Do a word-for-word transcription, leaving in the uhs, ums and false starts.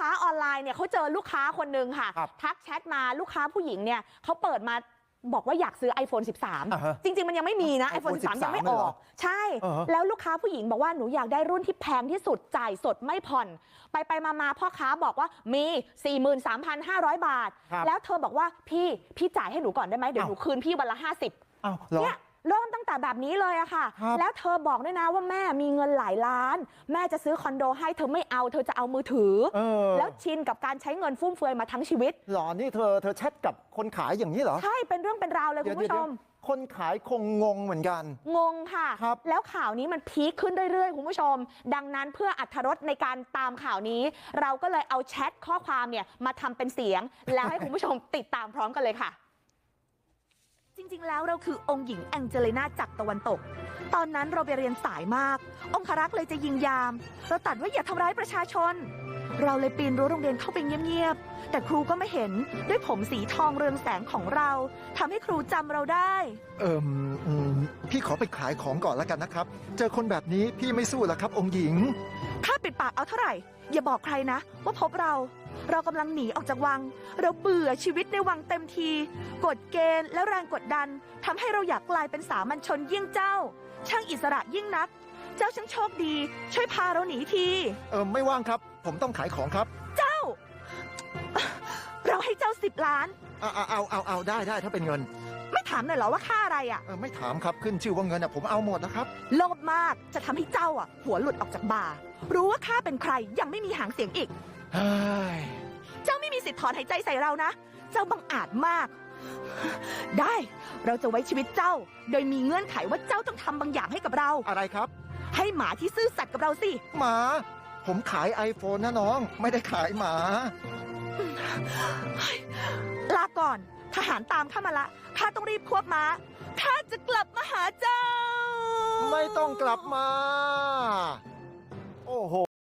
ค้าออนไลน์เนี่ยเขาเจอลูกค้าคนนึงค่ะทักแชทมาลูกค้าผู้หญิงเนี่ยเขาเปิดมาบอกว่าอยากซื้อ ไอโฟน สิบสาม จริงๆมันยังไม่มีนะ ไอโฟน สิบสาม ยังไม่ออกใช่แล้วลูกค้าผู้หญิงบอกว่าหนูอยากได้รุ่นที่แพงที่สุดจ่ายสดไม่ผ่อนไปไปมาๆพ่อค้าบอกว่ามี สี่หมื่นสามพันห้าร้อย บาทแล้วเธอบอกว่าพี่พี่จ่ายให้หนูก่อนได้ไหมเดี๋ยวหนูคืนพี่วันละห้าสิบเนี่ยเริ่มตั้งแต่แบบนี้เลยอะค่ะแล้วเธอบอกด้วยนะว่าแม่มีเงินหลายล้านแม่จะซื้อคอนโดให้เธอไม่เอาเธอจะเอามือถือแล้วชินกับการใช้เงินฟุ่มเฟือยมาทั้งชีวิตหรอนี่เธอเธอแชทกับคนขายอย่างนี้เหรอใช่เป็นเรื่องเป็นราวเลยคุณผู้ชมคนขายคงงงเหมือนกันงงค่ะแล้วข่าวนี้มันพีคขึ้นเรื่อยๆคุณผู้ชมดังนั้นเพื่ออรรถรสในการตามข่าวนี้เราก็เลยเอาแชทข้อความเนี่ยมาทำเป็นเสียงแล้วให้คุณผู้ชมติดตามพร้อมกันเลยค่ะจริงๆแล้วเราคือองค์หญิงแองเจลิน่าจากตะวันตกตอนนั้นเราไปเรียนสายมากองครักษ์เลยจะยิงยามเราตัดว่าอย่าทำร้ายประชาชนเราเลยปีนรั้วโรงเรียนเข้าไปเงียบๆแต่ครูก็ไม่เห็นด้วยผมสีทองเรืองแสงของเราทำให้ครูจำเราได้เอิมพี่ขอไปขายของก่อนแล้วกันนะครับเจอคนแบบนี้พี่ไม่สู้แล้วครับองค์หญิงถ้าปิดปากเอาเท่าไหร่อย่าบอกใครนะว่าพบเราเรากำลังหนีออกจากวังเราเบื่อชีวิตในวังเต็มทีกฎเกณฑ์และแรงกดดันทำให้เราอยากกลายเป็นสามัญชนยิ่งเจ้าช่างอิสระยิ่งนักเจ้าช่างโชคดีช่วยพาเราหนีทีเออไม่ว่างครับผมต้องขายของครับเจ้าเราให้เจ้าสิบล้านเอาเอาเอาเอาได้ได้ถ้าเป็นเงินไม่ถามหน่อยเหรอว่าค่าอะไรอ่ะเออไม่ถามครับขึ้นชื่อว่าเงินอ่ะผมเอาหมดนะครับโลภมากจะทำให้เจ้าอ่ะหัวหลุดออกจากบ่ารู้ว่าข้าเป็นใครยังไม่มีหางเสียงอีกเจ้าไม่มีสิทธิ์ถอนหายใจใส่เรานะเจ้าบังอาจมากได้เราจะไว้ชีวิตเจ้าโดยมีเงื่อนไขว่าเจ้าต้องทำบางอย่างให้กับเราอะไรครับให้หมาที่ซื่อสัตย์กับเราสิหมาผมขาย ไอโฟน นะน้องไม่ได้ขายหมาลาก่อนทหารตามข้ามาละข้าต้องรีบควบม้าข้าจะกลับมาหาเจ้าไม่ต้องกลับมาโอ้โห